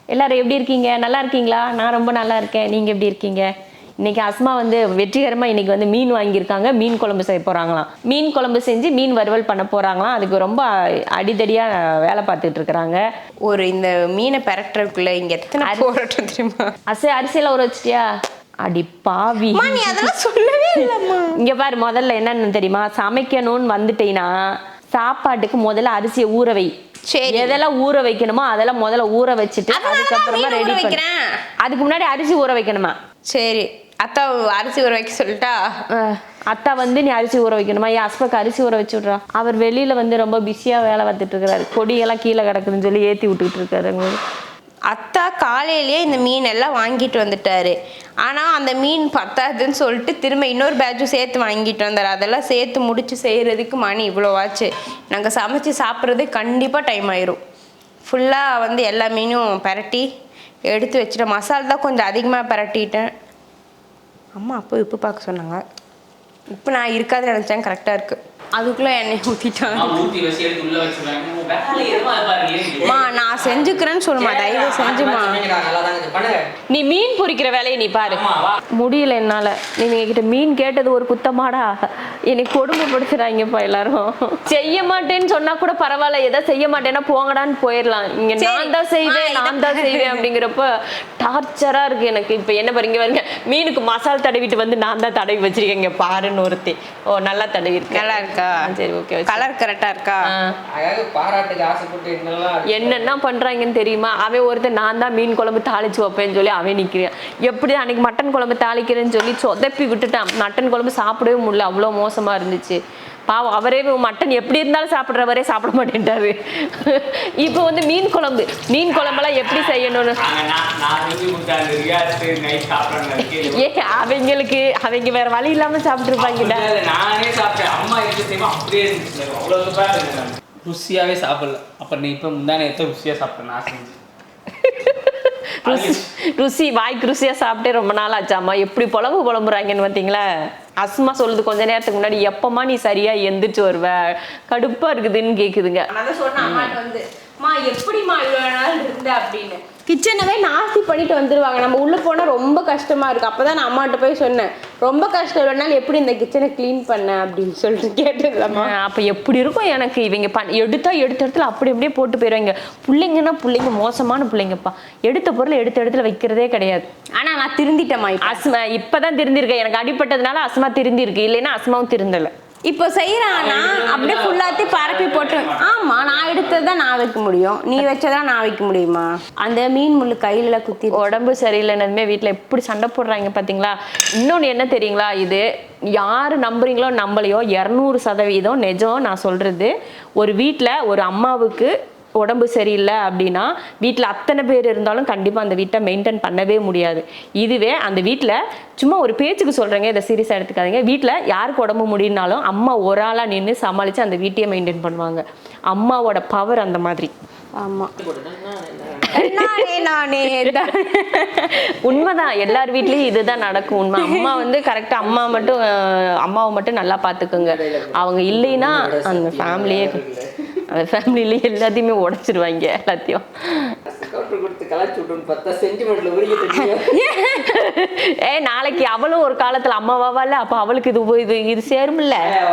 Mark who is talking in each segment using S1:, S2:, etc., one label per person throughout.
S1: எல்லாரும் எப்படி இருக்கீங்க? நல்லா இருக்கீங்களா? நான் ரொம்ப நல்லா இருக்கேன். நீங்கள் எப்படி இருக்கீங்க? இன்னைக்கு அஸ்மா வந்து வெற்றிகரமாக இன்னைக்கு வந்து மீன் வாங்கியிருக்காங்க. மீன் குழம்பு செய்ய போகிறாங்களாம். மீன் குழம்பு செஞ்சு மீன் வறுவல் பண்ண போகிறாங்களாம். அதுக்கு ரொம்ப அடிதடியாக வேலை பார்த்துட்டு இருக்கிறாங்க.
S2: ஒரு இந்த மீனை பெரட்டுறதுக்குள்ள இங்கே எத்தனை போராட்டம் தெரியுமா?
S1: அரிசியெல்லாம் ஊற வச்சிட்டியா? அடி பாவி,
S2: நீ அதெல்லாம் சொல்லவே இல்லைம்மா.
S1: இங்கே பாரு, முதல்ல என்னன்னு தெரியுமா? சமைக்கணும்னு வந்துட்டீங்கன்னா சாப்பாட்டுக்கு முதல்ல அரிசியை ஊற வை.
S2: சரி,
S1: எதெல்லாம் ஊற வைக்கணுமோ அதெல்லாம் முதல்ல ஊற வச்சுட்டு அதுக்கப்புறமா ரெடி வைக்கிறேன். அதுக்கு முன்னாடி அரிசி ஊற வைக்கணுமா?
S2: சரி, அத்தா அரிசி ஊற வைக்க சொல்லிட்டா?
S1: அத்தா வந்து நீ அரிசி ஊற வைக்கணுமா? என் ஹஸ்பக்கு அரிசி ஊற வச்சு விட்றா. அவர் வெளியில வந்து ரொம்ப பிஸியா வேலை பார்த்துட்டு இருக்கிறாரு. கொடியெல்லாம் கீழே கிடக்குதுன்னு சொல்லி ஏற்றி விட்டுக்கிட்டு இருக்காரு.
S2: அத்தா காலையிலேயே இந்த மீன் எல்லாம் வாங்கிட்டு வந்துட்டாரு. ஆனால் அந்த மீன் பத்தாதுன்னு சொல்லிட்டு திரும்ப இன்னொரு பேட்சும் சேர்த்து வாங்கிட்டு வந்தார். அதெல்லாம் சேர்த்து முடிச்சு செய்கிறதுக்கு மணி இவ்வளோவாச்சு. நாங்கள் சமைச்சு சாப்பிட்றது கண்டிப்பாக டைம் ஆயிரும். ஃபுல்லாக வந்து எல்லா மீனும் பரட்டி எடுத்து வச்சுட்டேன். மசாலா தான் கொஞ்சம் அதிகமாக பரட்டிட்டேன். அம்மா அப்போ உப்பு பார்க்க சொன்னாங்க. உப்பு நான் இருக்காதுன்னு நினச்சேன், கரெக்டாக இருக்குது. அதுக்குள்ளே எண்ணெய் ஊற்றிட்டாங்க. நான் செஞ்சுக்கிறேன்னு சொல்லுமா, தயவு செஞ்சுமா.
S1: நீ மீன் பொரிக்கிற வேலையை நீ பாரு. முடியல என்னால. நீங்க கிட்ட மீன் கேட்டது ஒரு குத்தமாடா? என்னை கொடுமைப்படுத்துறாங்கப்பா எல்லாரும். செய்ய மாட்டேன்னு சொன்னா கூட பரவாயில்ல, எதை செய்ய மாட்டேன்னா போங்கடான்னு போயிடலாம். இங்க நான் தான் செய்வேன் அப்படிங்கிறப்ப டார்ச்சரா இருக்கு எனக்கு. இப்ப என்ன பாருங்க பாருங்க, மீனுக்கு மசாலா தடவிட்டு வந்து நான் தான் தடவி வச்சிருக்கேங்க பாருன்னு ஒருத்தி. ஓ, நல்லா தடவி இருக்கு.
S2: நல்லா இருக்கா?
S1: சரி, ஓகே.
S2: கலர் கரெக்டா இருக்கா?
S3: பாராட்டுக்கு ஆசைப்பட்டு
S1: என்னென்ன பண்றாங்கன்னு தெரியுமா? அவன் ஒருத்தர் நான் தான் மீன் குழம்பு தாளிச்சு வைப்பேன்னு சொல்லி அவன் நிற்கிறான். எப்படி அன்னைக்கு மட்டன் குழம்பு தாளிக்கிறேன்னு சொல்லி சொதப்பி விட்டுட்டான். மட்டன் குழம்பு சாப்பிடவே முடியல, அவ்வளோ மோசமா இருந்துச்சு. பாவம், அவரே மட்டன் எப்படி இருந்தாலும் சாப்பிட்றவரே சாப்பிட மாட்டேன்ட்டாரு. இப்போ வந்து மீன் குழம்பெல்லாம் எப்படி செய்யணும்னு அவங்க வேற வழி இல்லாம சாப்பிட்டுருப்பாங்க.
S3: ருசியாவே சாப்பிடல. அப்ப நீ இப்ப முந்தானே ருசியா சாப்பிட்டேன் நான் செஞ்சு.
S1: வாய்க்கு ருசியா சாப்பிட்டே ரொம்ப நாள் ஆச்சாமா. எப்படி புலம்புறாங்கன்னு பார்த்தீங்களா? அஸ்மா சொல்லுது கொஞ்ச நேரத்துக்கு முன்னாடி, எப்பமா நீ சரியா எந்திரிச்சு வருவ, கடுப்பா இருக்குதுன்னு கேக்குதுங்க.
S2: எப்படிமா இவ்வளவு நாள் இருந்த அப்படின்னு கிச்சனவே நாஸ்தி பண்ணிட்டு வந்துருவாங்க. நம்ம உள்ள போனா ரொம்ப கஷ்டமா இருக்கு. அப்பதான் நான் அம்மாட்ட போய் சொன்னேன், ரொம்ப கஷ்டம் இல்லைனாலும் எப்படி இந்த கிச்சனை கிளீன் பண்ண அப்படின்னு சொல்லிட்டு கேட்டதுலம்மா.
S1: அப்ப எப்படி இருக்கும் எனக்கு? இவங்க எடுத்த இடத்துல அப்படி அப்படியே போட்டு போயிடுவாங்க. பிள்ளைங்க மோசமான பிள்ளைங்கப்பா. எடுத்த பொருளை எடுத்த இடத்துல வைக்கிறதே கிடையாது.
S2: ஆனா நான் திருந்திட்டேம்மா.
S1: அஸ்மா இப்பதான் திருந்திருக்கேன். எனக்கு அடிப்பட்டதுனால அஸ்மா திருந்திருக்கு, இல்லைன்னா அஸ்மாவும் திருந்தலை.
S2: இப்போ செய்யறானா அப்படியே ஃபுல்லாத்தையும் பரப்பி போட்டு. ஆமா, நான் எடுத்ததான் நான் வைக்க முடியும், நீ வச்சதான் நான் வைக்க முடியுமா? அந்த மீன் முள்ளு கையில குத்தி.
S1: உடம்பு சரியில்லைன்னதுமே வீட்டுல எப்படி சண்டை போடுறாங்க பாத்தீங்களா? இன்னொன்னு என்ன தெரியுங்களா? இது யாரு நம்புறீங்களோ நம்பலையோ 200% நிஜம் நான் சொல்றது. ஒரு வீட்டுல ஒரு அம்மாவுக்கு உடம்பு சரியில்லை அப்படின்னா வீட்டில் அத்தனை பேர் இருந்தாலும் கண்டிப்பாக அந்த வீட்டை மெயின்டைன் பண்ணவே முடியாது. இதுவே அந்த வீட்டில் சும்மா ஒரு பேச்சுக்கு சொல்கிறேங்க, இதை சீரியஸாக எடுத்துக்காதீங்க. வீட்டில் யாருக்கு உடம்பு முடியினாலும் அம்மா ஒரு ஆளாக நின்று சமாளித்து அந்த வீட்டையே மெயின்டைன் பண்ணுவாங்க. அம்மாவோட பவர் அந்த மாதிரி. ஆமாம், உண்மைதான். எல்லார் வீட்லேயும் இதுதான் நடக்கும். உண்மை. அம்மா வந்து கரெக்டாக அம்மாவை மட்டும் நல்லா பார்த்துக்குங்க. அவங்க இல்லைன்னா அந்த ஃபேமிலியே எல்லாத்தையுமே உடைச்சிருவாங்க எல்லாத்தையும். நாளைக்கு அவளும் ஒரு காலத்துல அம்மாவாவா இல்ல, அப்ப அவளுக்கு இது சேரும்ல.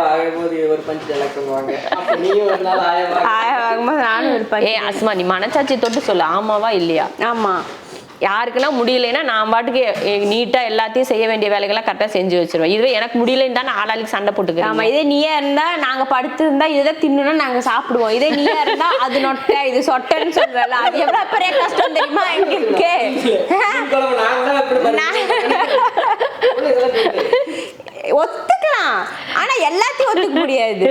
S1: அஸ்மா, நீ மனசாட்சி தொட்டு சொல்லு, ஆமாவா இல்லையா?
S2: ஆமா.
S1: யாருக்கெல்லாம் முடியலைன்னா நான் பாட்டுக்கு நீட்டா எல்லாத்தையும் செய்ய வேண்டிய வேலைகள்லாம் கரெக்டாக செஞ்சு வச்சிருவேன். இதுவே எனக்கு முடியலைன்னு தான் ஆளாளுக்கு சண்டை போட்டுக்கிறேன்.
S2: ஆமா, இதே நீயா இருந்தா நாங்க படுத்து இருந்தா இதை தின்னுனா நாங்க சாப்பிடுவோம். இதே நீயா இருந்தா அது நொட்டை இது சொட்டைன்னு சொல்றல, அது எவ்வளவு பெரிய கஷ்டம் தெரியுமா எங்களுக்கு? ஒத்துக்கலாம், ஆனா எல்லாத்தையும் ஒத்துக்க முடியாது.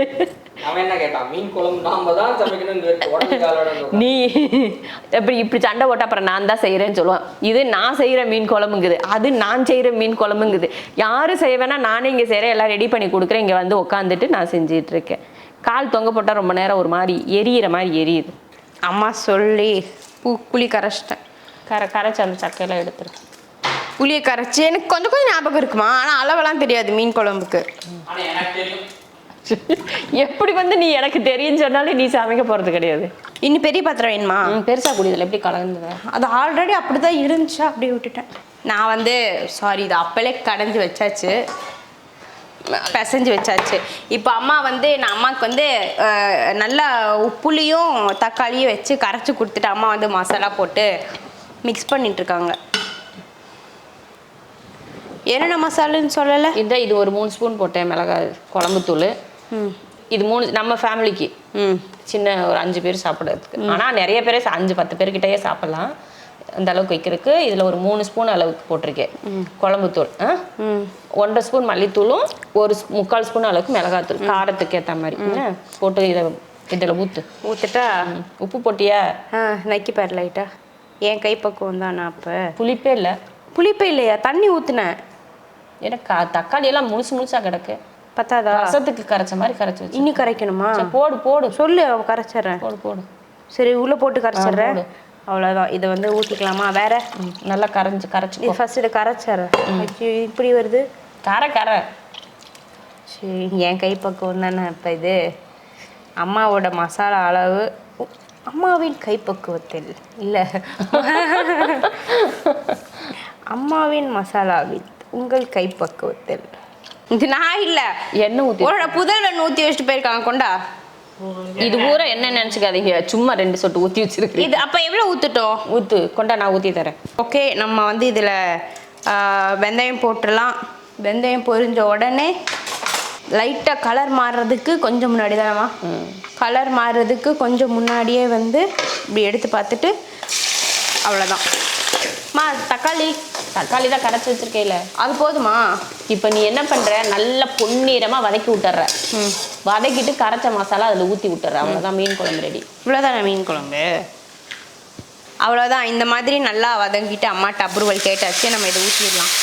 S1: நீ இப்படி சண்டை போட்ட அப்புறம் நான் தான் செய்யறேன்னு சொல்லுவேன். இது நான் செய்யற மீன் குழம்புங்குது, அது நான் செய்யற மீன் குழம்புங்குது. யாரும் செய்ய வேணா, நானே இங்க செய்யறேன், எல்லாம் ரெடி பண்ணி கொடுக்குறேன். இங்க வந்து உட்காந்துட்டு நான் செஞ்சிட்டு இருக்கேன். கால் தொங்க போட்டா ரொம்ப நேரம் ஒரு மாதிரி எரியிற மாதிரி எரியுது.
S2: அம்மா சொல்லி புளி கரைச்சிட்டேன்.
S1: கரைச்சி அந்த சக்கையெல்லாம் எடுத்துருக்கேன்.
S2: புளியை கரைச்சி எனக்கு கொஞ்சம் ஞாபகம் இருக்குமா, ஆனா அளவெல்லாம் தெரியாது மீன் குழம்புக்கு.
S1: எப்படி வந்து நீ எனக்கு தெரியும்னு சொன்னாலும் நீ சமைக்க போறது கிடையாது.
S2: இன்னும் பெரிய பாத்திரம் வேணுமா?
S1: பெருசா குடியதில்ல எப்படி கலந்துத?
S2: அது ஆல்ரெடி அப்படிதான் இருந்துச்சா, அப்படியே விட்டுட்டேன். நான் வந்து சாரி, இது அப்பளே கடைஞ்சி வச்சாச்சு, பிசைஞ்சு வச்சாச்சு. இப்போ அம்மா வந்து நான் அம்மாவுக்கு வந்து நல்லா புளியும் தக்காளியும் வச்சு கரைச்சி கொடுத்துட்டு அம்மா வந்து மசாலா போட்டு மிக்ஸ் பண்ணிட்டு இருக்காங்க. என்னென்ன மசாலான்னு சொல்லலை.
S1: இது ஒரு 3 ஸ்பூன் போட்டேன் மிளகாய் குழம்புத்தூள். இது 3 நம்ம ஃபேமிலிக்கு, சின்ன ஒரு 5 பேர் சாப்பிட்றதுக்கு. ஆனால் நிறைய பேர் 5-10 பேர்கிட்டயே சாப்பிட்லாம் அந்த அளவுக்கு வைக்கிறதுக்கு. இதில் ஒரு 3 ஸ்பூன் அளவுக்கு போட்டிருக்கேன் குழம்புத்தூள். 1.5 ஸ்பூன் மல்லித்தூளும் 1/4 ஸ்பூன் அளவுக்கு மிளகாத்தூள் காரத்துக்கு ஏற்ற மாதிரி போட்டு இதில் ஊற்றுட்டா. உப்பு போட்டியா?
S2: நக்கி பாரு லைட்டா. என் கைப்பக்குவம் தான். நான் அப்போ
S1: புளிப்பே இல்லை.
S2: புளிப்பே இல்லையா? தண்ணி ஊற்றுனேன்.
S1: எனக்கு தக்காளி எல்லாம் முழுசா கிடக்கு.
S2: பத்தாதா?
S1: ரசத்துக்கு கரைச்ச மாதிரி கரைச்சி வச்சு.
S2: இன்னும் கரைக்கணுமா?
S1: போடு
S2: சொல்லு, கரைச்சிட்றேன்.
S1: போடு.
S2: சரி, உள்ள போட்டு கரைச்சிட்றேன். அவ்வளோதான். இதை வந்து ஊற்றிக்கலாமா? வேற
S1: நல்லா கரைச்சி
S2: ஃபர்ஸ்ட் இதை கரைச்சிட்றேன். இப்படி வருது
S1: கரை.
S2: சரி, என் கைப்பக்குவம் தானே. இப்போ இது அம்மாவோட மசாலா அளவு அம்மாவின் கைப்பக்குவத்தில் இல்லை, அம்மாவின் மசாலாவில் உங்கள் கைப்பக்குவத்தில். இது நான் இல்லை,
S1: எண்ணெய் ஊற்றி
S2: புதரில் ஊற்றி வச்சுட்டு போயிருக்காங்க. கொண்டா.
S1: இது பூரா என்ன நினச்சிக்காதீங்க, சும்மா 2 சொட்டு ஊற்றி வச்சிருக்கு.
S2: இது அப்போ எவ்வளோ ஊற்றுட்டோம்?
S1: ஊற்று கொண்டா, நான் ஊற்றி தரேன்.
S2: ஓகே, நம்ம வந்து இதில் வெந்தயம் போட்டுடலாம். வெந்தயம் பொரிஞ்ச உடனே லைட்டாக கலர் மாறுறதுக்கு கொஞ்சம் முன்னாடி தானம்மா, கலர் மாறுறதுக்கு கொஞ்சம் முன்னாடியே வந்து இப்படி எடுத்து பார்த்துட்டு அவ்வளோதான். தக்காளி
S1: தான் கரைச்சி வச்சிருக்கேல,
S2: அது போதுமா?
S1: இப்போ நீ என்ன பண்ணுற, நல்லா பொன்னிறமாக வதக்கி விட்டுற. வதக்கிட்டு கரைச்ச மசாலா அதில் ஊற்றி விட்டுற. அவ்வளோதான், மீன் குழம்பு ரெடி.
S2: இவ்வளோதானே மீன் குழம்பு? அவ்வளோதான். இந்த மாதிரி நல்லா வதங்கிட்டு அம்மாட்ட அப்ரூவல் கேட்டாச்சு. நம்ம இதை ஊற்றிடலாம்.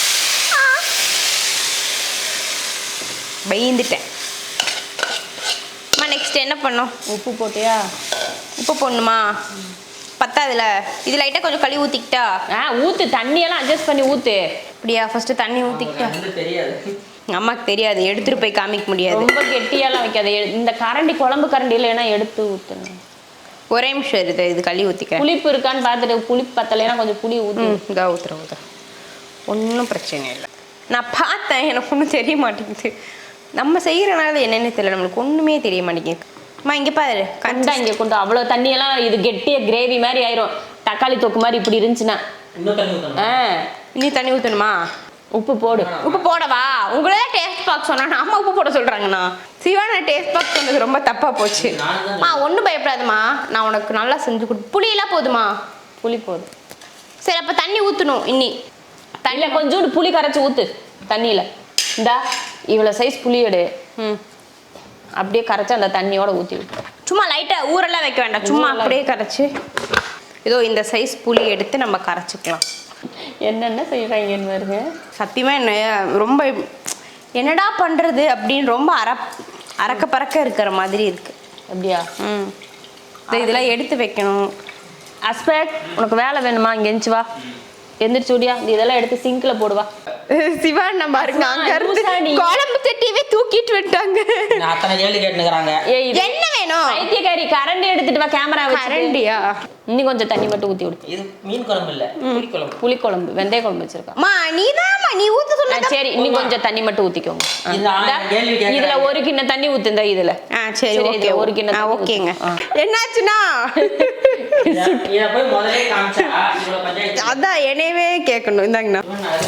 S2: பயந்துட்டேன். அம்மா நெக்ஸ்ட் என்ன பண்ணோம்?
S1: உப்பு போட்டியா?
S2: உப்பு போடணுமா? பத்தாதுல. இது லைட்டாக கொஞ்சம் களி ஊற்றிக்கிட்டா?
S1: ஊற்று, தண்ணியெல்லாம் அட்ஜஸ்ட் பண்ணி ஊற்று.
S2: அப்படியா? ஃபர்ஸ்ட் தண்ணி ஊற்றிக்கிட்டா?
S3: தெரியாது,
S2: அம்மாக்கு தெரியாது, எடுத்துகிட்டு போய் காமிக்க முடியாது.
S1: ரொம்ப கெட்டியெல்லாம் வைக்காது. இந்த கரண்டி குழம்பு கரண்டி இல்லைன்னா எடுத்து ஊற்றுங்க.
S2: ஒரே நிமிஷம் இருக்குது, இது களி ஊற்றிக்க.
S1: புளிப்பு இருக்கான்னு பார்த்துட்டு, புளிப்பு பத்தலைன்னா கொஞ்சம் புளி ஊற்று.
S2: இதா ஊற்றுறேன். ஒன்றும் பிரச்சனை இல்லை. நான் பார்த்தேன், எனக்கு ஒன்றும் தெரிய மாட்டேங்குது. நம்ம செய்கிறனால என்னென்னு தெரியல, நம்மளுக்கு ஒன்றுமே தெரிய மாட்டேங்குது. அம்மா இங்கே பாரு,
S1: கண்டா இங்கே கொண்டு. அவ்வளோ தண்ணியெல்லாம் இது கெட்டிய கிரேவி மாதிரி ஆயிரும். தக்காளி தொக்கு மாதிரி இப்படி இருந்துச்சுன்னா
S2: இன்னும் தண்ணி ஊற்றணுமா?
S1: உப்பு போடு.
S2: உப்பு போடவா? உங்களே டேஸ்ட் பார்க்க சொன்னா அம்மா உப்பு போட சொல்கிறாங்கண்ணா. சிவானா டேஸ்ட் பார்க்க சொன்னது ரொம்ப தப்பாக போச்சு. ஒன்றும் பயப்படாதுமா, நான் உனக்கு நல்லா செஞ்சு கொடு. புளியெல்லாம் போதுமா?
S1: புளி போதும்.
S2: சரி, அப்போ தண்ணி ஊற்றணும். இன்னி
S1: தண்ணியில் கொஞ்சோண்டு புளி கரைச்சி ஊற்று தண்ணியில். இந்தா இவ்வளோ சைஸ் புளி எடு. அப்படியே கரைச்சி அந்த தண்ணியோட ஊற்றி விட்டு.
S2: சும்மா லைட்டாக ஊரெல்லாம் வைக்க வேண்டாம், சும்மா அப்படியே கரைச்சி. இதோ இந்த சைஸ் புளி எடுத்து நம்ம கரைச்சிக்கலாம்.
S1: என்னென்ன செய்கிறாங்கன்னு பாருங்க.
S2: சத்தியமாக என்ன ரொம்ப என்னடா பண்ணுறது அப்படின்னு ரொம்ப அறக்க பறக்க இருக்கிற மாதிரி இருக்குது.
S1: அப்படியா?
S2: இதெல்லாம் எடுத்து வைக்கணும்.
S1: அஸ்பெக்ட், உனக்கு வேலை வேணுமா? இங்கே எந்திச்சு வா, எந்திரிச்சு விடியா. இதெல்லாம் எடுத்து சிங்க்ல போடுவா.
S2: சிவான் நம்ம பாருங்க, அங்க இருந்து குழம்பு சட்டியவே தூக்கிட்டு விட்டாங்க.
S3: அத்தனை கேள்வி கேட்டுக்கிறாங்க.
S2: என்ன வேணும்?
S1: ஐத்தியக்காரி, கரண்டி எடுத்துட்டு வா. கேமரா
S2: கரண்டியா?
S1: இன்னும் கொஞ்சம் தண்ணி மட்டும் ஊற்றி விடு.
S3: இது மீன் குழம்பு இல்ல, புளிக்குழம்பு.
S1: புளிக்குழம்பு, வெந்தய குழம்பு வச்சிருக்கா.
S2: நீ ஊத்த சொன்ன.
S1: சரி, இன்னும் கொஞ்சம் தண்ணி மட்டும் ஊத்திக்கோங்க. இதுல 1 கிண்ணம் தண்ணி ஊத்துங்க. இதுல
S2: சரி, ஓகே.
S1: 1 கிண்ணம்.
S2: ஓகேங்க. என்னாச்சுன்னா
S3: இத போய் முதல்ல காமிச்சா இவ்வளவு பஞ்சாயத்து.
S2: அதான் என்னவே கேட்கணும். இந்தாங்கண்ணா.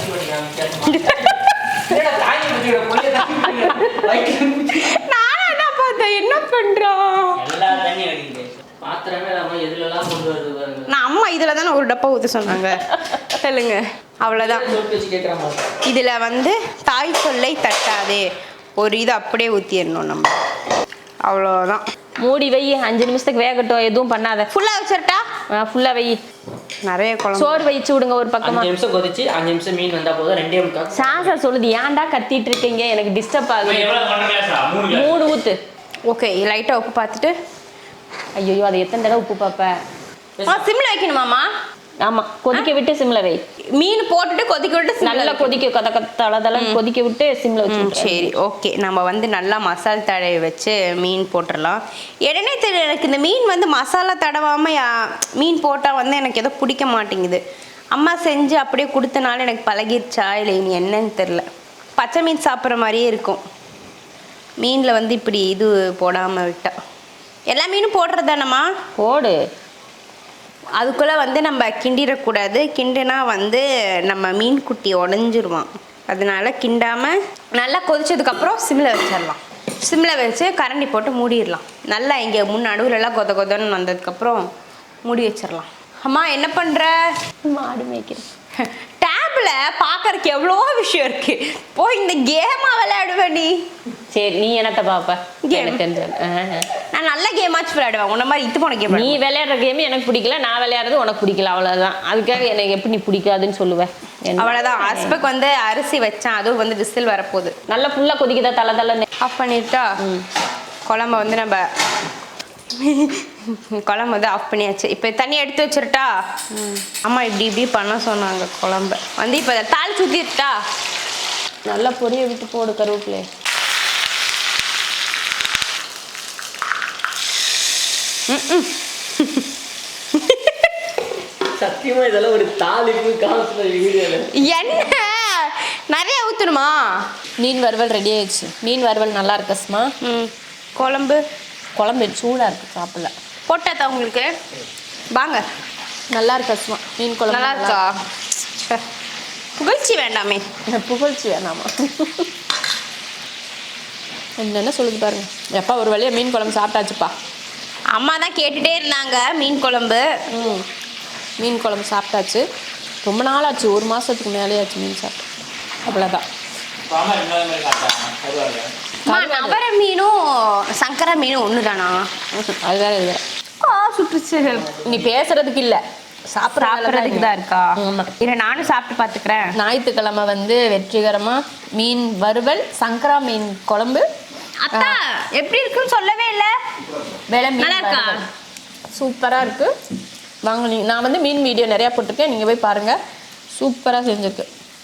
S2: நானும் என்ன பார்த்தேன், என்ன பண்றோம்?
S3: எல்லா தண்ணி அடிக்குது. பாத்திரமே நம்ம எதுலலாம் கொண்டு வருது பாருங்க.
S2: நான் அம்மா இதுல தானே ஒரு டப்பா ஊத்த சொன்னாங்க. சொல்லுங்க, அவ்வளவுதான். இதுல வந்து தாய் சொல்லை தட்டாதே ஒரு இது அப்படியே ஊத்திடணும் நம்ம. அவ்வளோதான்.
S1: மூடி வை, 5 நிமிஷத்துக்கு வேகட்டும். எதுவும் பண்ணாத.
S2: ஃபுல்லா வச்சிரட்டா?
S1: ஃபுல்லா வை.
S2: நிறைய குழம்பு.
S1: சோறு வச்சு விடுங்க ஒரு பக்கமா.
S3: 5 நிமிஷம் கொதிச்சு 5 நிமிஷம் மீன் வந்தா போதும். 2 முக்கா.
S1: சாசா சொல்லுது, ஏன்டா கத்திட்டு இருக்கீங்க, எனக்கு டிஸ்டர்ப் ஆகுது. 3 ஊத்து.
S2: ஓகே, லைட்டா உப்பு பார்த்துட்டு.
S1: ஐயோ, அதை எத்தனை தடவை உப்பு பார்ப்ப?
S2: சிம்ல வைக்கணுமாமா?
S1: ஆமா, கொதிக்க விட்டு சிம்ல வை.
S2: மீன் போட்டுட்டு கொதிக்க விட்டு
S1: நல்லா கொதிக்க தளதளன்னு கொதிக்க விட்டு சிம்ல வச்சு.
S2: சரி ஓகே. நம்ம வந்து நல்லா மசால் தடவை வச்சு மீன் போட்டுடலாம். உடனே தெரியல எனக்கு இந்த மீன் வந்து மசாலா தடவாம மீன் போட்டால் வந்து எனக்கு ஏதோ பிடிக்க மாட்டேங்குது. அம்மா செஞ்சு அப்படியே கொடுத்தனால எனக்கு பழகிருச்சா இல்லை இனி என்னன்னு தெரில. பச்சை மீன் சாப்பிட்ற மாதிரியே இருக்கும். மீனில் வந்து இப்படி இது போடாமல் விட்டா. எல்லா மீனும் போடுறதானம்மா?
S1: போடு.
S2: அதுக்குள்ளே வந்து நம்ம கிண்டிடக்கூடாது. கிண்டுனா வந்து நம்ம மீன் குட்டி உடஞ்சிருவான். அதனால கிண்டாமல் நல்லா கொதிச்சதுக்கப்புறம் சிம்மில் வச்சிடலாம். சிம்மில் வச்சு கரண்டி போட்டு மூடிடலாம். நல்லா இங்கே நடுவுலலாம் கொத கொதன்னு வந்ததுக்கப்புறம் மூடி வச்சிடலாம். அம்மா என்ன பண்ணுற?
S1: மாடு மேய்க்கிறேன்.
S2: டேப்ல பார்க்கறதுக்கு எவ்வளோ விஷயம் இருக்கு. போய் இந்த கேமா விளையாடுவேன் நீ.
S1: சரி, நீ என்னத்த பாப்ப?
S2: Game. நான் நல்ல கேமாச்சும் விளையாடுவேன். உன்ன மாதிரி இது போன கேம்.
S1: நீ விளையாடுற கேம் எனக்கு பிடிக்கல, நான் விளையாடுறது உனக்கு பிடிக்கல, அவ்வளவுதான். அதுக்காக எனக்கு எப்படி நீ பிடிக்காதுன்னு சொல்லுவேன்?
S2: அவ்வளோதான். ஹஸ்பண்ட் வந்து அரிசி வச்சேன், அதுவும் வந்து விசில் வரப்போகுது.
S1: நல்லா ஃபுல்லா கொதிக்குதா? தலை தலை
S2: ஆஃப் பண்ணிட்டா குழம்ப வந்து நம்ம குழம்பு வந்து ஆஃப் பண்ணியாச்சு. இப்போ தண்ணி எடுத்து வச்சிருட்டா? அம்மா இப்படி இப்படி பண்ண சொன்னாங்க. குழம்பு வந்து இப்போ தாள் சுற்றிட்டா
S1: நல்லா பொரிய விட்டு போடு கருவேப்பிலை.
S3: சத்தியமா இதெல்லாம் ஒரு தாளிப்பு காலத்துல வீடியோல
S2: என்ன நிறைய ஊற்றணுமா?
S1: மீன் வறுவல் ரெடி ஆயிடுச்சு. மீன் வறுவல் நல்லா இருக்கு அஸ்மா.
S2: குழம்பு
S1: குழம்பு சூடா இருக்கு, சாப்பிடல.
S2: போட்டாத்தா உங்களுக்கு? வாங்க.
S1: நல்லா இருக்கு அஸ்மா மீன் குழம்பு.
S2: நல்லா இருக்கா? புகழ்ச்சி வேண்டாமே.
S1: புகழ்ச்சி வேணாமா? என்னென்ன சொல்லுது பாருங்க. எப்பா ஒரு வழியா மீன் குழம்பு சாப்பிட்டாச்சுப்பா.
S2: அம்மா தான் கேட்டுட்டே இருந்தாங்க மீன் குழம்பு.
S1: மீன் குழம்பு சாப்பிட்டாச்சு. ரொம்ப நாள் ஆச்சு, ஒரு மாதத்துக்கு மேலே ஆச்சு மீன் சாப்பிட்டு. அவ்வளோதான்.
S2: நவர மீனும் சங்கரா மீனும் ஒன்று தானா?
S1: அது வேற இது வேற.
S2: சுட்டுச்சு.
S1: நீ பேசுறதுக்கு இல்லை,
S2: சாப்பிட்றதுக்கு தான் இருக்கா?
S1: ஆமாம்.
S2: இல்லை நானும் சாப்பிட்டு பார்த்துக்கிறேன்.
S1: ஞாயிற்றுக்கிழமை வந்து வெற்றிகரமாக மீன் வறுவல், சங்கரா மீன் குழம்பு.
S2: அத்தா எப்படி இருக்குன்னு சொல்லவே இல்லை.
S1: வேலை
S2: நல்லா இருக்கா?
S1: சூப்பராக இருக்குது. வாங்க, நான் வந்து மீன் வீடியோ நிறையா போட்டிருக்கேன், நீங்கள் போய் பாருங்கள். சூப்பராக செஞ்சுருக்கு.